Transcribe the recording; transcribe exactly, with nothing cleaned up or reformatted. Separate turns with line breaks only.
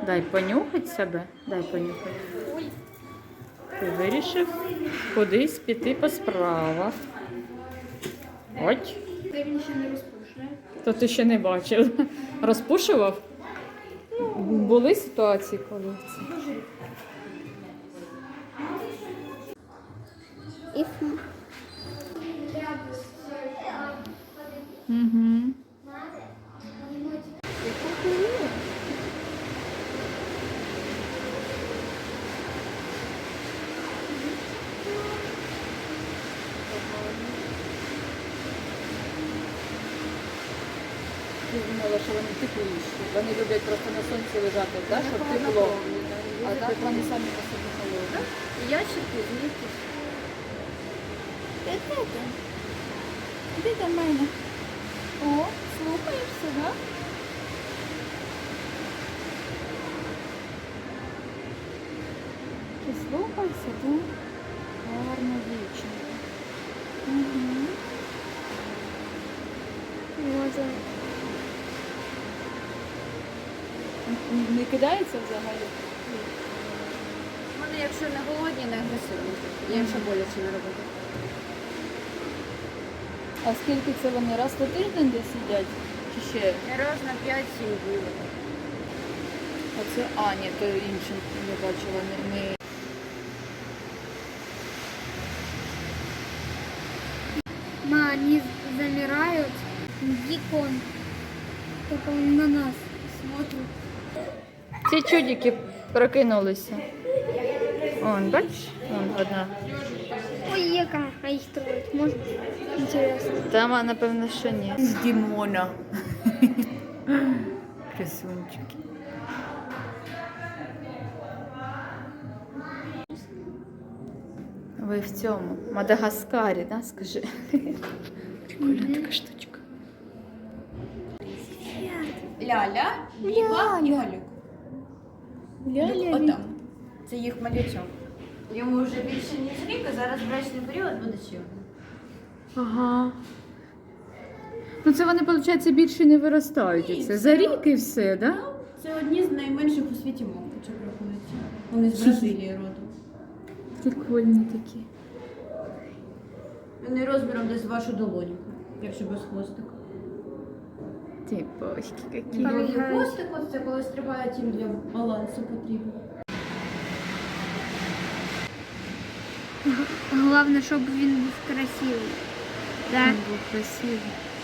Дай понюхать себе. Дай понюхать. Ти вирішив кудись піти по справах. Ось.
Ти він ще не розпушує.
То ти ще не бачив. Розпушував? Були ситуації, коли це. Угу. Я думала, що вони тепліші. Вони люблять просто на сонці лежати, да, щоб тепло. А так вони самі по собі холодні.
Ящики звідти. Де ти? Іди до мене. О, слухаєшся, да?
Ти слухайся, да? Гарна дівчинка. Угу.
Може.
Не кидається взагалі?
Вони, якщо не голодні, не агресивні. Їм ще боляче не робити.
А скільки це вони? Раз на тиждень десь сидять? Чи ще?
Раз на п'ять-сім днів.
Оце, а, ні, то іншим я бачила, не... не...
Ма, они замирают. Дикон. Только он на нас смотрит.
Ці чудики прокинулися. Вон, бачиш? Вон одна.
Ой, яка, а их трое. Может, интересно.
Там, а, напевно, що ні. З Дімона. Красунчики. Ви в цьому Мадагаскарі, да, скажи? Прикольна така штучка.
Ляля, Біба і Галюк.
Ляля,
Отам. Це їх малючок. Йому вже більше ніж рік, а зараз брачний період буде ще.
Ага. Ну це вони, виходить, більше не виростають.
Ні,
Це
це-
за рік і все, так? Да?
Це одні з найменших у світі мавпочок рахуються. Вони з Бразилії родом.
Прикольні такі.
Вони розміром десь вашу долоньку, якщо без хвостика.
Ти бочки які.
Довгий хвостик, ось це коли стрибають, їм для балансу потрібно.
Главное, чтобы он был красивый. Да?
Він був красивий.